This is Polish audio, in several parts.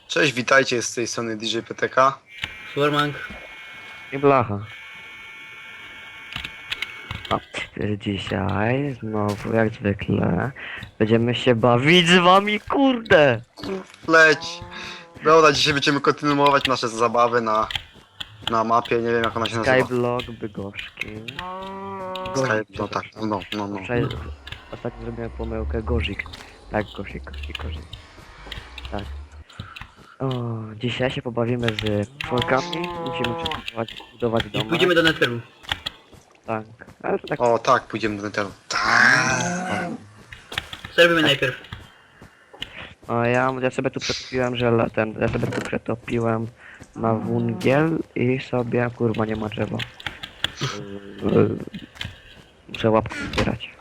Cześć, witajcie z tej strony DJ PTK. Swarmank. I blacha. No, dzisiaj znowu jak zwykle będziemy się bawić z wami, kurde! Leć! Dobra, dzisiaj będziemy kontynuować nasze zabawy na mapie, nie wiem jak ona się nazywa. Skyblock Bydgoszki. Sky, no tak, no. Wczoraj ostatnio zrobiłem pomyłkę, Gorzik. Tak, Gorzik. Tak. O, dzisiaj się pobawimy z członkami. Musimy budować I dom. pójdziemy do Netheru. Tak. Ale to tak. O tak, pójdziemy do Netheru. Tak. Co robimy najpierw? O, ja sobie tu przetopiłem ja sobie tu przetopiłem na wungiel i sobie, kurwa, nie ma drzewa. Muszę łapkę zbierać.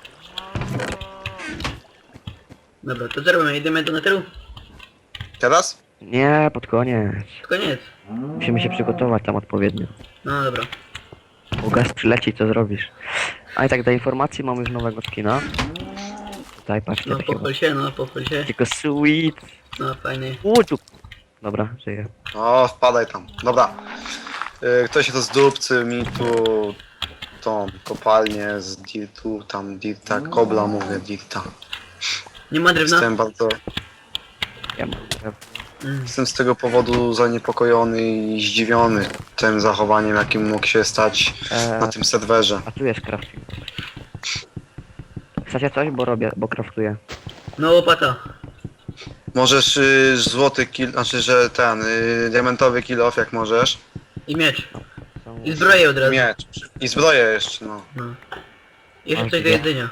Dobra, to co robimy? Jedziemy do Netheru? Teraz? Nie, pod koniec. Koniec. Musimy się przygotować tam odpowiednio. No dobra. Bo gaz przyleci, co zrobisz? A i tak do informacji mamy już nowego skina. Tutaj patrzcie, No takiego. pochwal się. Tylko sweet. No fajnie. Tu. Dobra, żyję. O, wpadaj tam. Dobra. Ktoś się to zdupcy mi tu tą kopalnię z dirtu, tam dirta, kobla mówię, dirta. Nie ma drewna? Jestem bardzo, Ja mam drewno. jestem z tego powodu zaniepokojony i zdziwiony tym zachowaniem, jakim mógł się stać na tym serwerze. A tu jest crafting. Chcecie coś? Bo craftuję. No łopata. Możesz złoty kill, znaczy, że ten diamentowy kill off jak możesz. I miecz. Są- I zbroję od razu. Miecz. I zbroję jeszcze, no. No. Jeszcze A, coś do gdzie? jedzenia.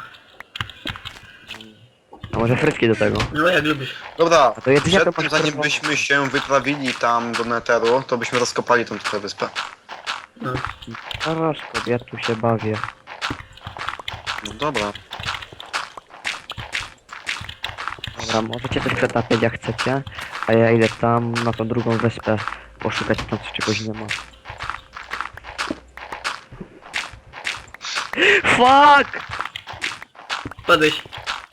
A może frytki do tego? No jak lubisz. Dobra, A to jedzenie przed to tym masz zanim czerwone. byśmy się wyprawili tam do Netheru, to byśmy rozkopali tą tutaj wyspę. No. Zaraz, ja tu się bawię. No dobra. Dobra, możecie coś przetapiać jak chcecie, a ja idę tam na tą drugą wyspę poszukać tam coś czegoś nie ma. Fuck! Padłeś.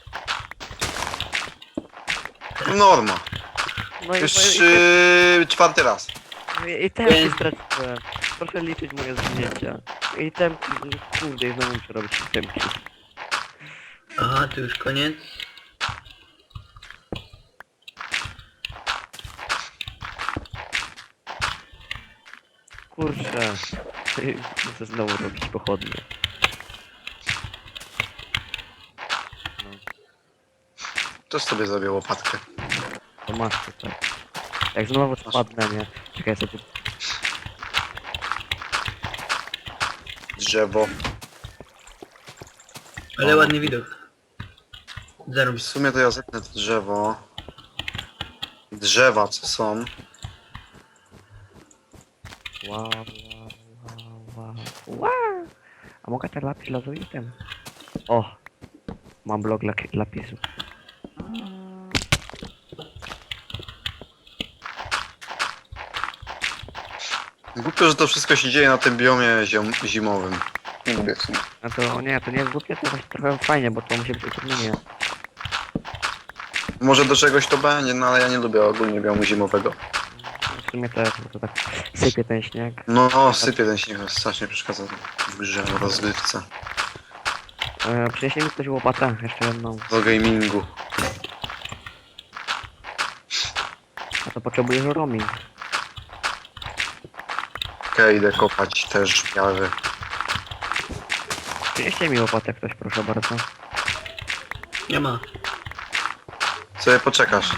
Norma. No i, Już czwarty raz. i temki straciłem. Proszę liczyć moje zginięcia. I temki, kurde, i znowu muszę robić temki. Aha, tu już koniec. Kurczę. Muszę znowu robić pochodnie. Też sobie zrobię łopatkę. To masz tutaj. Jak znowu spadnę, nie? Czekaj, sobie Drzewo. Ale O. ładny widok. W Zarobisz. sumie to ja zetnę to drzewo. Drzewa co są. Wow. A mogę ten lapis lazuitem? O! Mam blok lapisu. Głupio, że to wszystko się dzieje na tym biomie zimowym. Nie lubię w sumie. A to nie jest głupie, to jest trochę fajnie, bo to musi być utrudnienie. Może do czegoś to będzie, no ale ja nie lubię ogólnie biomu zimowego. W sumie też, bo to tak sypie ten śnieg. No, sypie ten śnieg, strasznie przeszkadza w grze, w rozgrywce, Przyniesie mi ktoś łopatę, jeszcze jedną. do gamingu. A to potrzebujesz roaming. Okej, idę kopać też w miarę. Przynieście mi łopatę ktoś, proszę bardzo. Nie ma. Sobie poczekasz.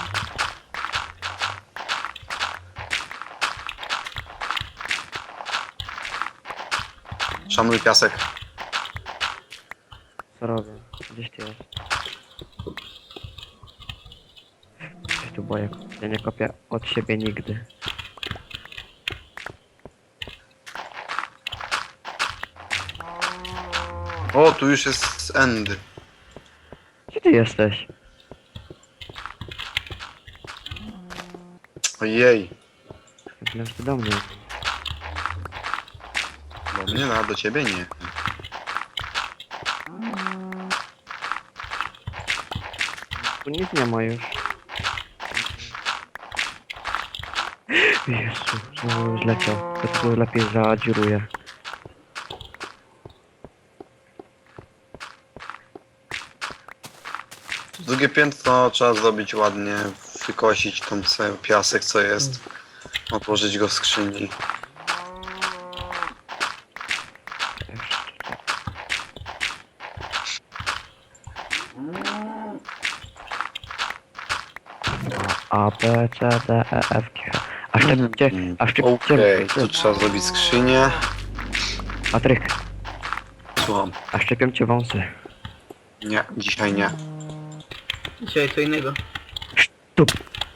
Szanuj piasek. Co robię? Gdzieś ty jest? Ja tu boję. Ja nie kopię od siebie nigdy. O, tu już jest end. Gdzie ty jesteś? Ojej. Myślałem, że ty do mnie. Do mnie, no, a do ciebie nie. Tu nic nie ma już. Jezu, znowu zleciał. To tu lepiej zadziuruję. Drugie piętro trzeba zrobić ładnie, wykosić tą cały piasek co jest, otworzyć go w skrzyni. A, B, C, D, E, F, G. A szczepcie, a Okej, szczepcie, tu trzeba zrobić skrzynię. Patryk, Słucham. a szczepią cię wąsy. Nie, dzisiaj nie. Dzisiaj co innego. Tup.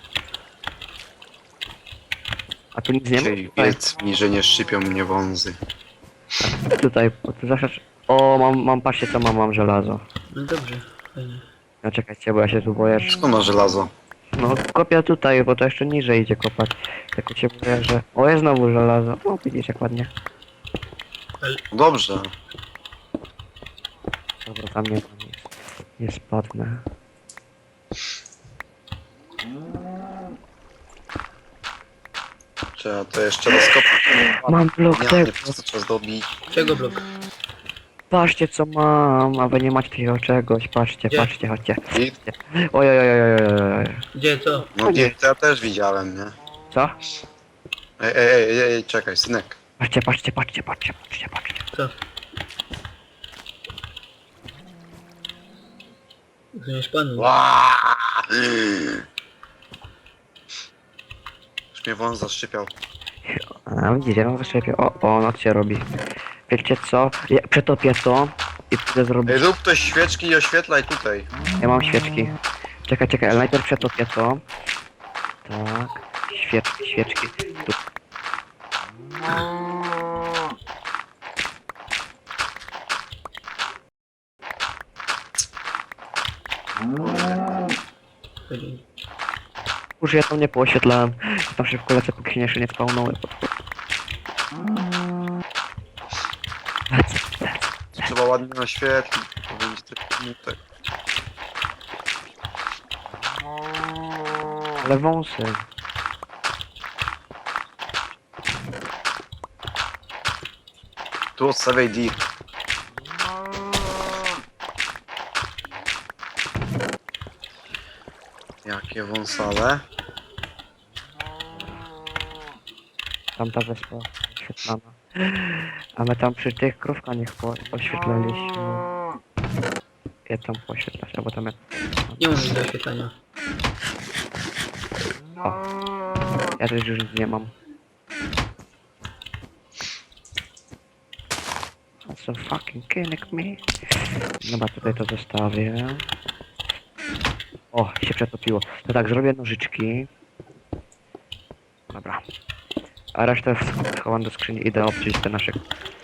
A tu nic nie ma? Dzisiaj Tutaj, wiedz mi, że nie szczypią mnie wązy. tutaj, bo tu zawsze... O, mam, patrzcie co mam żelazo. No dobrze, fajnie. No czekajcie, bo ja się tu boję, że... Skąd ma żelazo? No kopię tutaj, bo to jeszcze niżej idzie kopać. Tylko się boję, że... O, jest znowu żelazo. O, widzisz jak ładnie. Dobrze. Dobra, tam nie spadnę. Trzeba to jeszcze rozkopać. Mam blok Nie, tego. nie, po prostu trzeba zdobić. Czego blok? Patrzcie co mam, a wy nie macie takiego czegoś. Patrzcie, Gdzie? patrzcie, chodźcie. I, Oj, oj, oj, oj, oj, oj, oj. Gdzie, co? no nie, to ja też widziałem, nie? Co? Ej, czekaj, synek. Patrzcie, patrzcie, patrzcie, patrzcie, patrzcie, patrzcie. Co? Zmieniasz panu. Ła! Już mnie wąs zaszczypiał. A widzicie, ja mam zaszczepię. O, noc się robi. Wiecie co? Ja przetopię to i pójdę zrobić. Ej, rób ktoś świeczki i oświetlaj tutaj. Ja mam świeczki. Czekaj, ale najpierw przetopię to. Tak. Świeczki. Tu. Już ja tam nie pooświetlałem. Tam szybko lecę, póki się jeszcze nie spawnoły. Lecę. Trzeba ładnie oświetlić. To będzie tak. Ale wąsy. Tu odstawiaj deep. Jakie wąsale. Tamta wyspa oświetlana. A my tam przy tych krówkach oświetlaliśmy. Ja tam poświetlać, albo tam ja... Nie mam nic do oświetlenia. O. Ja też już nic nie mam. So fucking killing me. Dobra, tutaj to zostawię. O, się przetopiło. No tak, zrobię nożyczki. Dobra. A resztę schowam do skrzyni. Idę obciąć te nasze...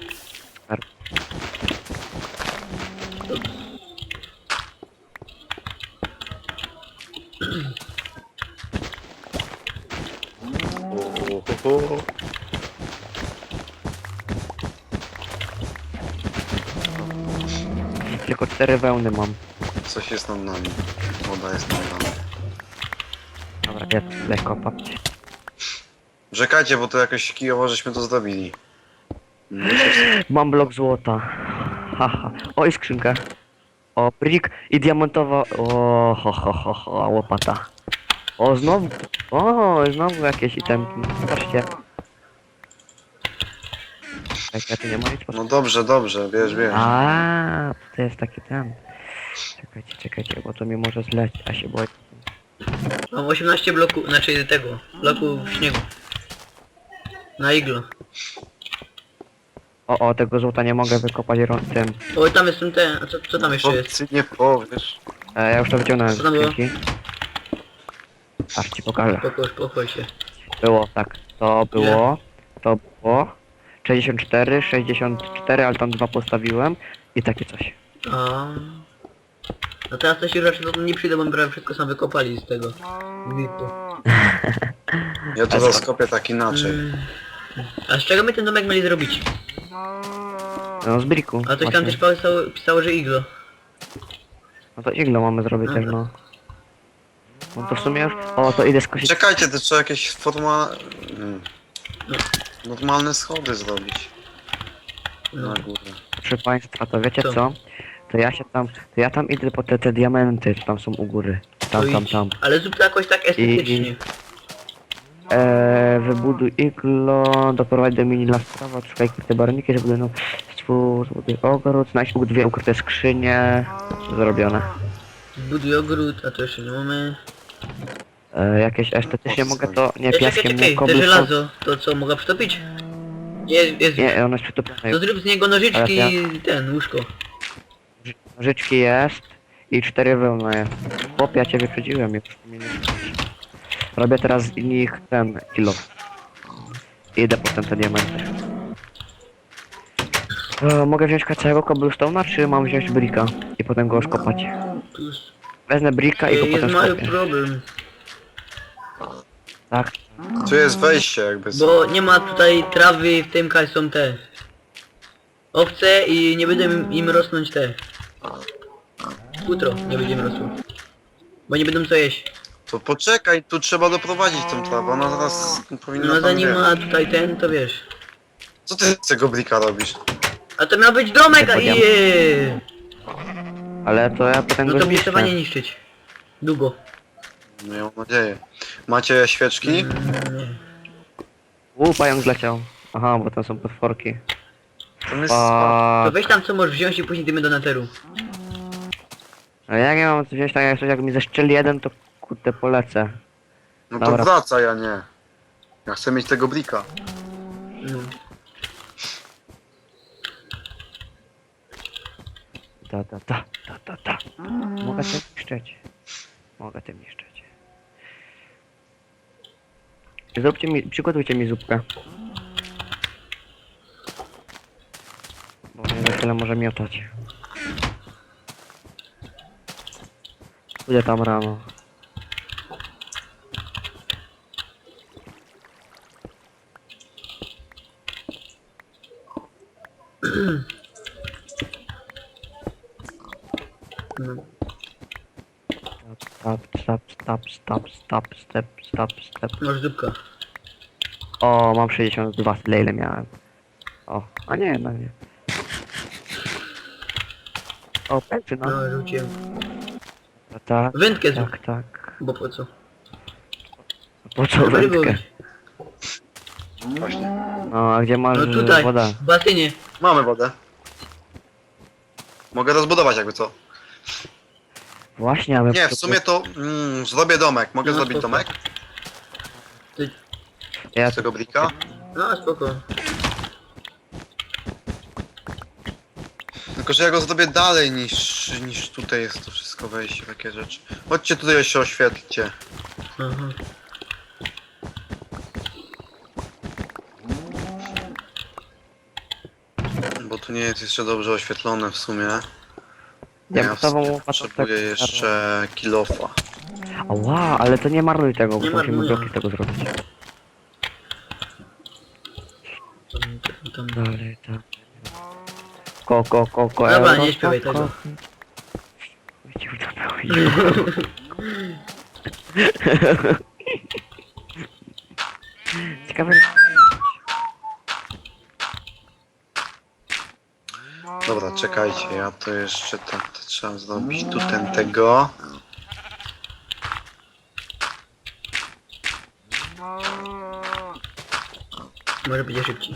Tylko 4 wełny mam. Coś jest nad nami. Woda jest nad nami. Dobra, ja tu tutaj kopać. Czekajcie, bo to jakoś kijowo żeśmy to zrobili. Mam blok złota. Haha. O, i skrzynka. O, brick i diamentowa. O, ho, łopata. O, znowu. O, znowu jakieś itemki. Patrzcie. Jak ja tu nie ma nic. No dobrze, bierz. A, to jest taki ten. Czekajcie, bo to mi może zlecieć, a się boję. Mam 18 bloków, znaczy tego, bloków śniegu. Na iglo. O, tego złota nie mogę wykopać tym. O, tam jest ten, a co tam jeszcze jest? Co ty nie powiesz? Ja już to wyciągnąłem z Co tam było? skrzynki. Aż ci pokażę. Pochwal się. Było, tak. To było. 64, ale tam 2 postawiłem. I takie coś. A. No teraz to się raczej nie przyjdę, bo mi prawie wszystko sam wykopali z tego. Wiku. Ja to rozkopię tak inaczej. A z czego my ten domek mieli zrobić? No z briku. A coś tam też pisało, że iglo. No to iglo mamy zrobić też, no. No to w sumie już... O, to idę skosić. Czekajcie, to trzeba jakieś normalne schody zrobić. No. Na górę. Proszę państwa, to wiecie Co? co? To ja tam idę po te diamenty, co tam są u góry. To idź. Tam. Ale zrób to jakoś tak estetycznie. Wybuduj iglo, doprowadź do mini lastrawa, szukaj te barwniki, żeby no zbuduj ogród, znajdź dwie ukryte skrzynie. Zrobione. Zbuduj ogród, a to jeszcze nie mamy. Jakieś estetycznie mogę to, nie piaskiem, nie Czekaj, te cobblestone. żelazo, to co, mogę przytopić? Jest. Nie, ono jest przytopione. To zrób z niego nożyczki Ale i ten, łóżko. Nożyczki jest i 4 wełna jest. Chłop, ja cię wyprzedziłem, już mnie nie słuchasz. Robię teraz z nich ten kilo. Idę potem te diamenty. Mogę wziąć całego cobblestone'a, czy mam wziąć bricka i potem go skopać? Tu jest, Wezmę bricka i go jest potem mały skopię. problem, Tak. Tu jest wejście jakby. bo nie ma tutaj trawy, w tym kaj są te owce i nie będę im rosnąć te. Futro nie będzie im rosło. Bo nie będą co jeść. To poczekaj, tu trzeba doprowadzić tą trawę, ona zaraz powinna No tam zanim być. ma tutaj ten, to wiesz. Co ty z tego blika robisz? A to miał być domek, a Nie i Ale to ja potem no go to mnie trzeba nie zniszczę. niszczyć. Długo. Miałem nadzieję. Macie świeczki? Nie. Pająk zleciał. Aha, bo tam są potworki. Tam jest To weź tam co możesz wziąć i później dymy do neteru. A jak ja mam wziąć tak jak coś, jak mi zeszczeli jeden, to kurde polecę. No to Dobra. wracaj, a nie. Ja chcę mieć tego blika. No. Ta. Mogę tym niszczyć. Mogę tym niszczyć. Przygotujcie mi zupkę. Bo mnie za chwilę może miotać. Pójdę tam rano. No. Stop. Masz zupka. O, mam 62, tyle ile miałem. O, a nie, no nie. O, pęczy, no. No, rzuciłem. Tak, Wędkę zrób. tak. Bo po co? Po co Ryby wędkę? łowić. Właśnie. No, a gdzie masz No tutaj, woda? w basenie. Mamy wodę. Mogę rozbudować jakby co. Właśnie, ale... Nie, w sumie to zrobię domek. Mogę No, zrobić spoko. domek Ja z tego blika? No, spoko. Tylko, że ja go zrobię dalej niż tutaj jest to wszystko wejście, takie rzeczy. Chodźcie tutaj jeszcze oświetlcie. Aha. Bo tu nie jest jeszcze dobrze oświetlone w sumie. Diamentową łopatą Potrzebuję jeszcze kilofa. Ała, ale to nie marnuj tego, bo Nie musimy marnuję. bloki z tego zrobić. Tam. Dalej, tak. Ko, Dobra, nie śpiewaj tego. Ciekawe... Dobra, czekajcie, ja to jeszcze tak, to trzeba zrobić tu tego. Może będzie szybciej.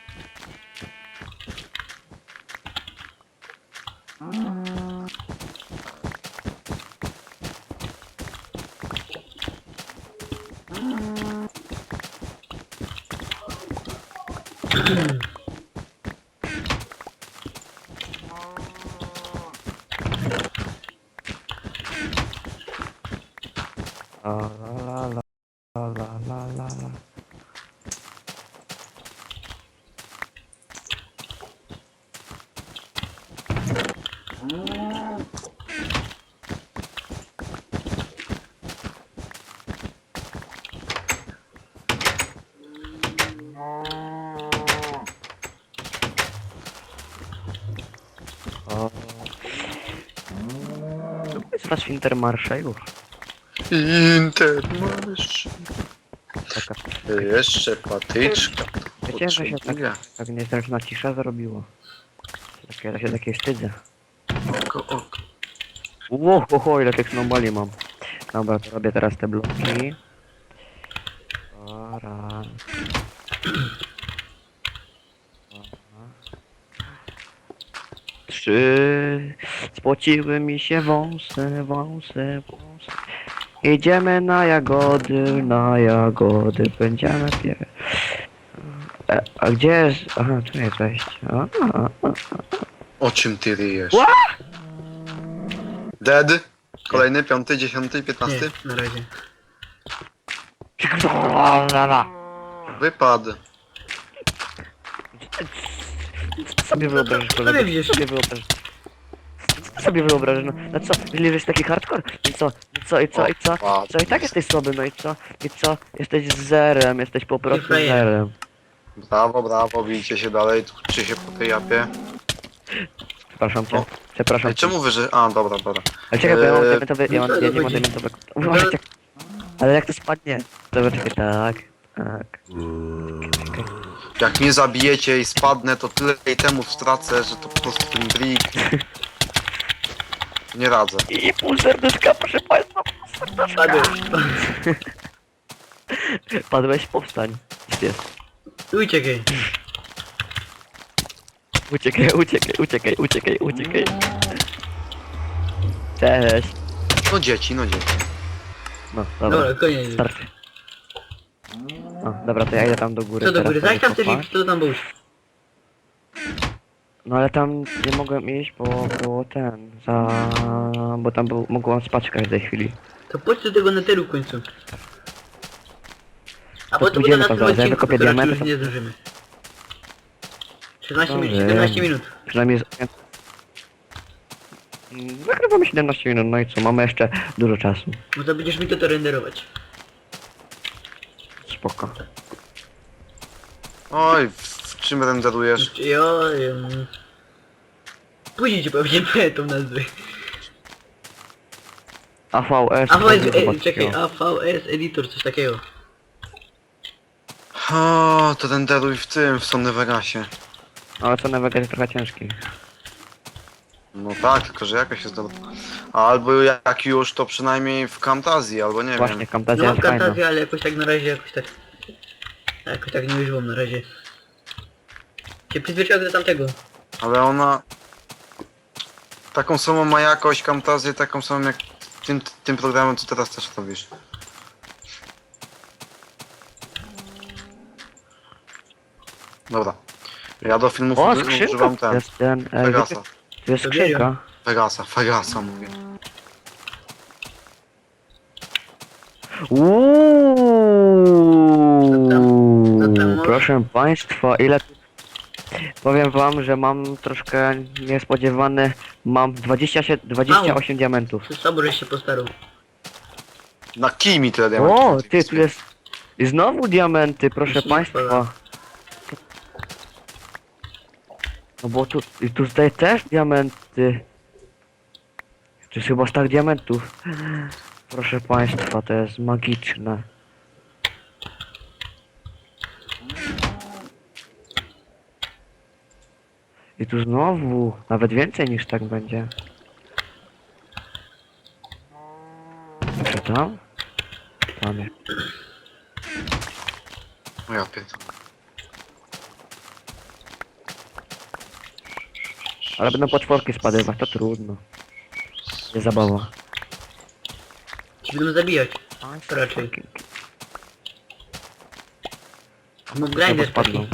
La. To jest was Wintermarsza już. Intermarsz. Taka, Jeszcze patyczka. wiecie, że się Potrzebuję. tak niezręczna cisza zrobiło. Ja się takiej wstydzę. Oko. Ło, ile tych snowballi mam. Dobra, to robię teraz te bloki. Raz. Trzy. Spociły mi się wąsy. Idziemy na jagody, będziemy a gdzie jest? Aha, tu jest wejście. O czym ty ryjesz? Ła! Dead? Kolejny, 5, 10, 15? Nie, na razie. Wypad. Sobie wyobrażasz, kolego. Sobie widzisz. Sobie wyobrażasz, no co, jeżeli jesteś taki hardcore? I co, i tak jesteś słaby, no i co, jesteś zerem, jesteś po prostu frajer. zerem. Brawo, bijcie się dalej, tłuczcie się po tej japie. Przepraszam cię, O. przepraszam Ej, cię. czemu wy, że... A, dobra. Ale czekaj, bo ja mam Eee, diamentowy, ja no nie mam chodzi. diamentowego. Uważaj, ale jak to spadnie? Dobra, czekaj, tak. Jak mnie zabijecie i spadnę, to tyle itemów stracę, że to po prostu ten brick... Nie radzę. I pół serduszka, proszę państwa, pół serduszka. Padłeś, powstań. Jest. Uciekaj. Uciekaj. Cześć. No dzieci. No, dobra, Dobra, koniec. starczy. No, dobra, to ja idę tam do góry. Co do góry? teraz Zaś tam sobie ty kopać. co tam był? No ale tam nie mogłem iść, bo było bo tam mogłem spać w każdej chwili. To chodź do tego neteru w końcu. A potem pójdziemy na tam tym zaraz, ja odcinku, wykopię to raczej diamenty, już to- nie zdążymy. 16 minut, Dobrze. 17 minut. Przynajmniej nagrywamy 17 minut, no i co, mamy jeszcze dużo czasu. Bo to będziesz mi to renderować. Spoko. Oj, w czym renderujesz? Później ci powiem tą nazwę. AVS. Czekaj, AVS Editor, coś takiego. O, to renderuj w tym, w Sony Vegasie. Ale co na Vega jest trochę ciężki. No tak, tylko że jakaś jest dobra. Albo jak już, to przynajmniej w Camtazji, albo nie Właśnie, wiem. No Camtasia mam jest fajna. fantazję, ale jakoś tak na razie, jakoś tak nie używam na razie. Cię przyzwyczaiłem do tamtego. Ale ona... Taką samą ma jakość Camtazję, taką samą jak tym programem, co teraz też robisz. Dobra. Ja do filmów O, używam skrzynka! ten. Jest ten... Vegasa. To jest skrzynka. Vegasa mówię. Co tam masz? Proszę państwa, ile... Powiem wam, że mam troszkę niespodziewany... Mam 28 diamentów. To słabo, żeś się postarał. Na kij mi tyle diamentów. O, ty, tu jest... I znowu diamenty, proszę Jeśli państwa. wpada. No bo tu tutaj też diamenty. To jest chyba stak diamentów. Proszę państwa, to jest magiczne. I tu znowu, nawet więcej niż tak będzie. Co tam? Tam jest. O ja pierdolę. Ale będą potworki spadywać, to trudno. Nie zabawa. Ci będą zabijać. To raczej. Mam grinder taki. spadną.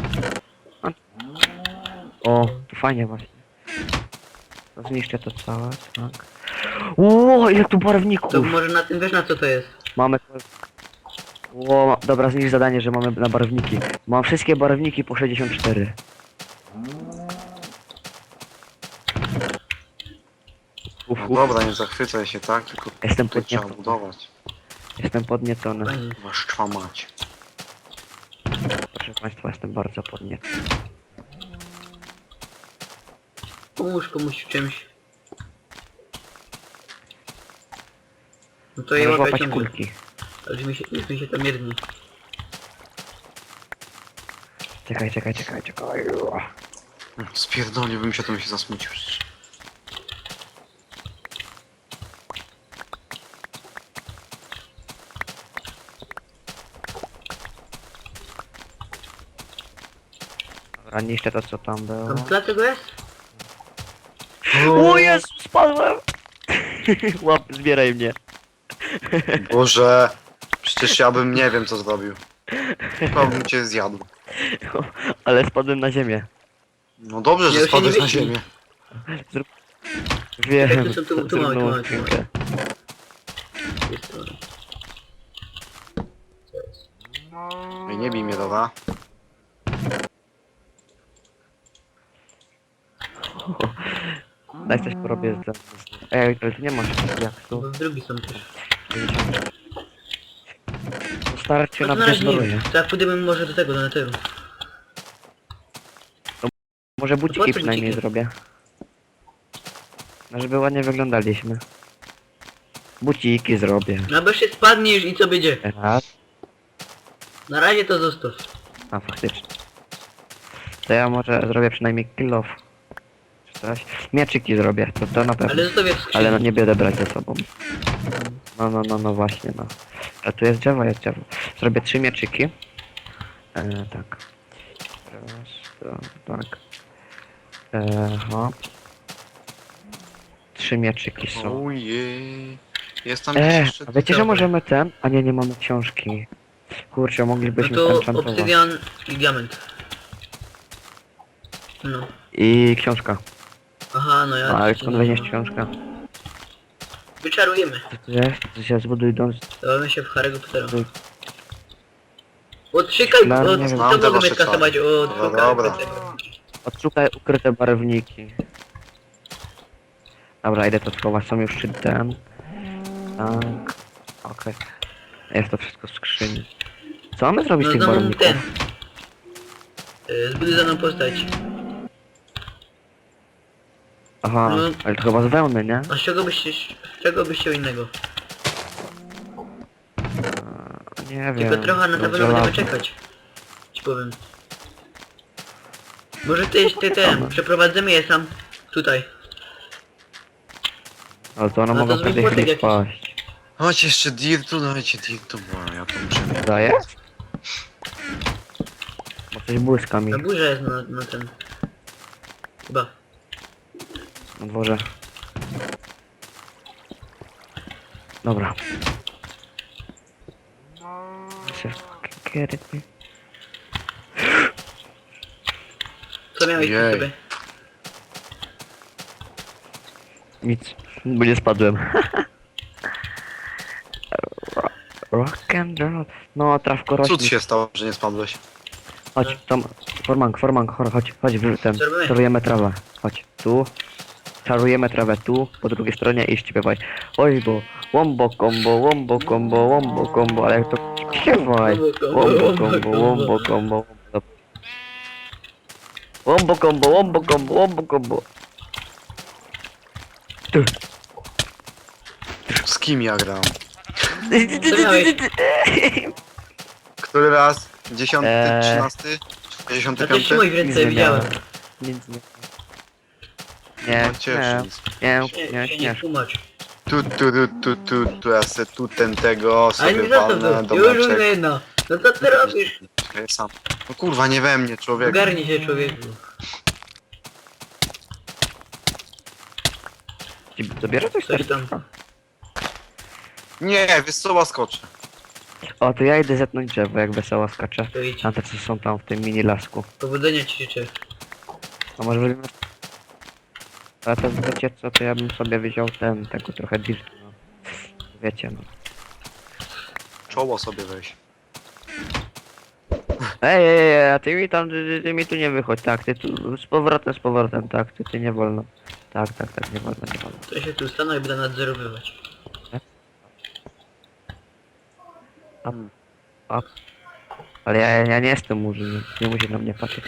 O, to fajnie właśnie. To zniszczę to całe, tak. Ło, ile tu barwników! To może na tym wiesz na co to jest. Mamy... Ło, dobra, zniszcz zadanie, że mamy na barwniki. Mam wszystkie barwniki po 64. Uf, No dobra, nie zachwycaj się, tak? Tylko Jestem to trzeba podniecony. budować. Jestem podniecony. Fajnie. Waszcza mać. Proszę państwa, jestem bardzo podniecony. Pomóż komuś w czymś. No to je Możesz łapię łapać ciągle. kulki. Ale już mi się to mierdni. Czekaj. Spierdoliłbym się, to bym się zasmucił. Dobra, niszczę to co tam było. Tam dlaczego jest? O Jezu, spadłem! Łap, zbieraj mnie. Boże, przecież ja bym nie wiem co zrobił. Chyba bym cię zjadł. Ale spadłem na ziemię. No dobrze, Nie, że się spadłeś nie na wyślij. ziemię. Wiem, Czekaj, tu mamy, zrób nową tu mamy. skrzynkę. Jest to. Co jest? Ej, nie bij mnie, dobra? Daj coś porobię z... Ej, ale tu nie masz jak tu. Bo drugi są też. Starczy No na to na razie nie bezbroję. wiem. Tak pójdziemy może do tego, do neteru. Może po buciki co przynajmniej buciki? zrobię. No żeby ładnie wyglądaliśmy. Buciki zrobię. No bo się spadniesz i co będzie? Raz. Na razie to zostaw. A faktycznie. To ja może zrobię przynajmniej kill off. Czy coś? Mieczyki zrobię, to na pewno. Ale zostawię w skrzyni. Ale no nie będę brać ze sobą. No właśnie, no. A tu jest drzewo. Zrobię 3 mieczyki. Tak. Raz, to, tak. Hop. 3 mieczyki są. Ojej. Jest tam jeszcze... A wiecie, że dobra. możemy ten? A nie mamy książki. Kurczę, No moglibyśmy to enchantować. obsydian i diament. No. I książka. Aha, no ja... No, ale skąd weźmiesz książkę? Wyczarujemy. Co to jest? To się zbuduj dom. Dawamy się w Harry'ego Pottera. Zbuduj. Odszykaj, No, nie od, wiem. to Znam te mogę wasze mieć kasować czary. od No Harry'ego dobra. Pottera. Odszukaj ukryte barwniki. Dobra, idę to schować. Są już 3 ten. Tak. Okej. Jest to wszystko w skrzyni. Co mamy zrobić z No tych znowu barwników? ten. Zbuduj za mną postać. Aha, No. ale to chyba z wełny, nie? A z czego byś chciał innego? Nie wiem. Tylko trochę na pewno żelazo. będziemy czekać. Ci powiem. Może ty ten, przeprowadzimy je sam tutaj. Ale to one No to mogą w zrobimy każdej płotek chwili jakiś. spaść. Chodź jeszcze dirtu, dajcie dirtu, bo ja to muszę mieć. Daje? Bo coś błyska mi Na górze jest na ten. Chyba. na dworze. Dobra. Się fucking Co miałeś przy Jej. sobie? Nic, bo nie spadłem. Rock and roll. No, trawko rośnie. Cud się stało, że nie spadłeś. Chodź, tam, formank, chodź, ten, Co robimy? czarujemy trawę. Chodź, tu. Czarujemy trawę tu, po drugiej stronie i śpiewaj. Oj, bo wombo combo, ale jak to śpiewaj. Wombo combo. Wombo combo. Ty. Z kim ja gram? Co miałeś? Który raz? 10, Eee. 13? A to 65? trzymaj w ręce, widziałem. Nic nie. Nie, No cieszę nie. Tłumacz. Tu, ja se tu tego Ale sobie nie za to walnę, to. Już domeczek. jedno. No co ty robisz? Ja sam. No kurwa, nie we mnie, człowiek. Ogarnij się, człowieku. Zabiera coś Coś tam. serduszka? Nie, wiesz co, łaskoczę. O, to ja idę zetnąć drzewo, jak wesoła skacze. To idź. Tamte co są tam w tym mini lasku. Powodzenia ci życzę. A może weźmiemy... Ale to wiecie co, to ja bym sobie wziął tego trochę dirtu, no. Wiecie, no. Czoło sobie weź. Ej, a ty mi tam, ty mi tu nie wychodź, tak, ty tu, z powrotem, tak, ty nie wolno. Tak, nie wolno. To się tu stanę i będę nadzorowywać. Ale ja nie jestem murzynem, nie musi na mnie patrzeć.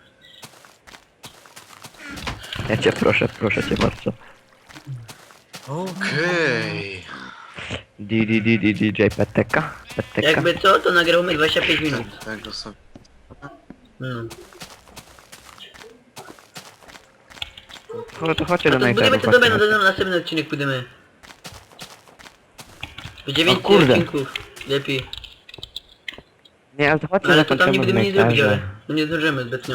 Ja cię proszę cię bardzo. Okej. DJ PTK. PTK. Jakby co, to nagramy 25 minut. Tego sobie. No. To chodźcie No do to budujemy najpierw. to dobre, no to na następny odcinek pójdziemy. Będzie więcej kurde. odcinków. Lepiej. Nie, ale to chodźcie Ale to tam zakończymy nie w będziemy nic zrobić, ale Makerze. no nie zdążymy zbytnio.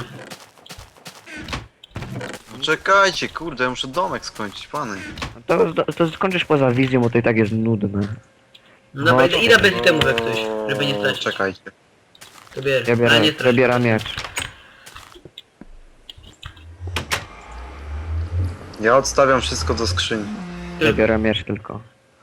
Czekajcie, kurde, ja muszę domek skończyć, pany. To skończysz poza wizją, bo to i tak jest nudne. No dobra, No, idę bez temu jak coś, żeby nie stracić. Czekajcie. To bierz, Ja ale nie biorę, strać. zabieram miecz. Ja odstawiam wszystko do skrzyni. Zabieram miecz tylko.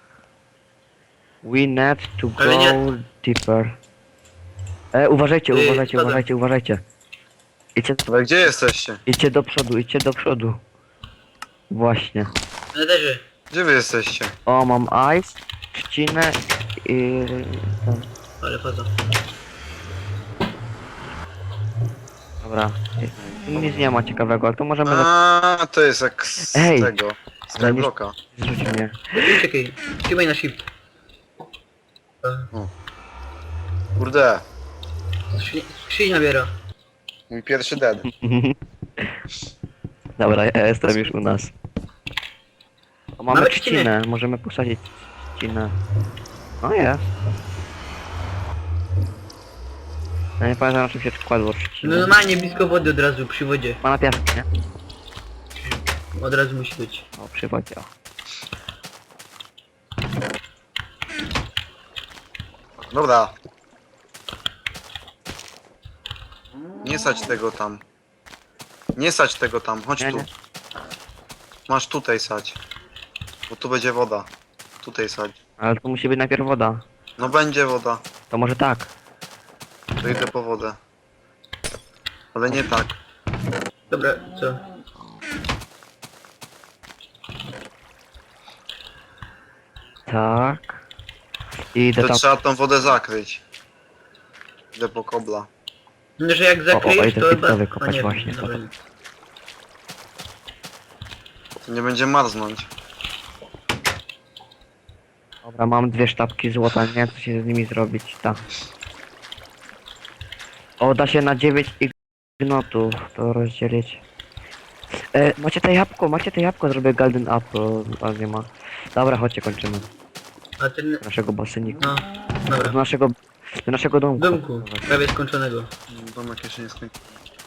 We need to go Ale nie- deeper. Uważajcie, uważajcie, spadam. uważajcie, uważajcie. Ale gdzie jesteście? Idźcie do przodu, idźcie do przodu. Właśnie. Nederzy. Gdzie wy jesteście? O, mam ice, trzcinę i... tam. Ale faza. Dobra. Nic nie ma ciekawego, ale to możemy... A, to jest jak z Ej! tego. Skyblocka. Zrzuć mnie. Czekaj, trzymaj na shift. Kurde, Skrzynia biera. mój pierwszy dead. Dobra, ja jestem już u nas. O, mamy Mamy trzcinę, trzcinę. możemy posadzić trzcinę. No jest. Ja nie pamiętam na czym się kładło No trzcinę. normalnie blisko wody od razu, przy wodzie. Ma na piasku, nie? Od razu musi być. O, przy wodzie, o. Dobra. Nie sać tego tam. Nie sać tego tam, chodź Nie, tu. nie. Masz tutaj sać. Bo tu będzie woda. Tutaj sać. Ale to musi być najpierw woda. No będzie woda. To może tak. To idę po wodę. Ale nie tak. Dobra, co? Tak. I idę To tam. trzeba tą wodę zakryć. Idę po kobla. No, że jak o, zakryjesz, idę to pizza chyba... wykopać A nie, właśnie, dobra. potem. To nie będzie marznąć. Dobra, mam 2 sztabki złota, nie wiem co się z nimi zrobić, tak. O, da się na 9 ignotów to rozdzielić. Macie te jabłko, zrobię golden apple, ale nie ma. Dobra, chodźcie, kończymy. A ten... Naszego basenika. No, dobra. Do naszego domku. Domku, prawie skończonego. Domek jeszcze nie skończył.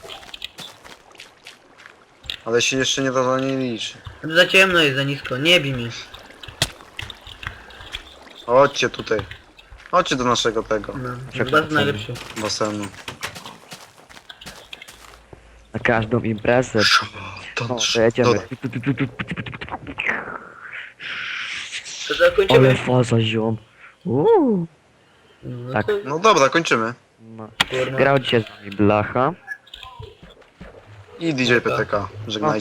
Ale się jeszcze nie to nie liczy. Za ciemno jest, za nisko, nie bij mnie. Chodźcie tutaj. Chodźcie do naszego tego No, Czekaj, bardzo co? najlepszy. basenu. Na każdą imprezę. No, to jedziemy. Dodaj. To Ale zakończymy. faza ziom. No tak. to... No dobra, kończymy. No. Kurwa. Grał dzisiaj z nami Blacha. I DJ PTK. Żegnajcie.